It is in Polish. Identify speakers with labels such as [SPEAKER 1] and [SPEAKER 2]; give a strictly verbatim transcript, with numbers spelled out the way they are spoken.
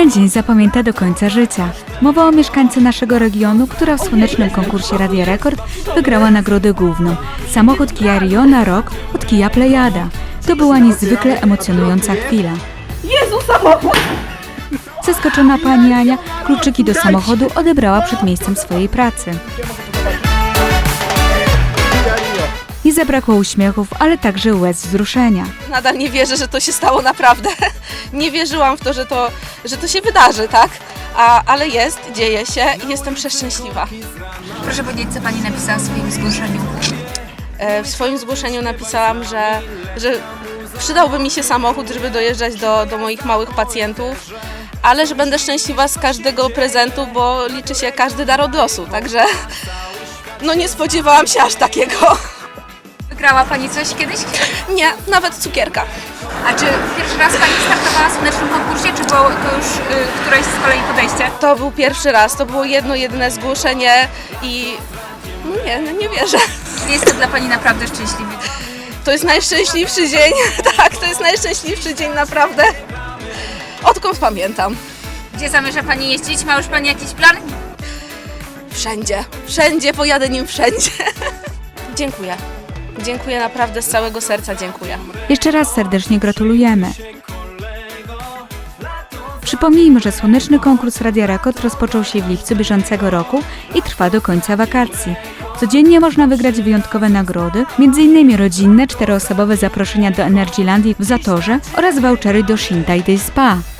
[SPEAKER 1] Ten dzień zapamięta do końca życia. Mowa o mieszkańcy naszego regionu, która w słonecznym konkursie Radia Rekord wygrała nagrodę główną. Samochód Kia Rio na rok od Kia Plejada. To była niezwykle emocjonująca chwila.
[SPEAKER 2] Jezu, samochód!
[SPEAKER 1] Zaskoczona pani Ania kluczyki do samochodu odebrała przed miejscem swojej pracy. Nie zabrakło uśmiechów, ale także łez wzruszenia.
[SPEAKER 2] Nadal nie wierzę, że to się stało naprawdę. Nie wierzyłam w to, że to, że to się wydarzy, tak? A, ale jest, dzieje się i jestem przeszczęśliwa.
[SPEAKER 3] Proszę powiedzieć, co Pani napisała w swoim zgłoszeniu.
[SPEAKER 2] E, W swoim zgłoszeniu napisałam, że, że przydałby mi się samochód, żeby dojeżdżać do, do moich małych pacjentów, ale że będę szczęśliwa z każdego prezentu, bo liczy się każdy dar od losu, także no nie spodziewałam się aż takiego.
[SPEAKER 3] Wygrała Pani coś kiedyś?
[SPEAKER 2] Nie, nawet cukierka.
[SPEAKER 3] A czy pierwszy raz Pani startowała w słonecznym konkursie, czy było to już y, któreś z kolei podejście?
[SPEAKER 2] To był pierwszy raz, to było jedno, jedyne zgłoszenie i no nie, no nie wierzę.
[SPEAKER 3] Jest to dla Pani naprawdę szczęśliwy.
[SPEAKER 2] To jest najszczęśliwszy dzień, tak, to jest najszczęśliwszy dzień naprawdę, odkąd pamiętam.
[SPEAKER 3] Gdzie zamierza Pani jeździć? Ma już Pani jakiś plan?
[SPEAKER 2] Wszędzie, wszędzie, pojadę nim wszędzie. Dziękuję, dziękuję naprawdę z całego serca, dziękuję.
[SPEAKER 1] Jeszcze raz serdecznie gratulujemy. Przypomnijmy, że słoneczny konkurs Radia Rekord rozpoczął się w lipcu bieżącego roku i trwa do końca wakacji. Codziennie można wygrać wyjątkowe nagrody, między innymi rodzinne, czteroosobowe zaproszenia do Energylandii w Zatorze oraz vouchery do Shintai Day Spa.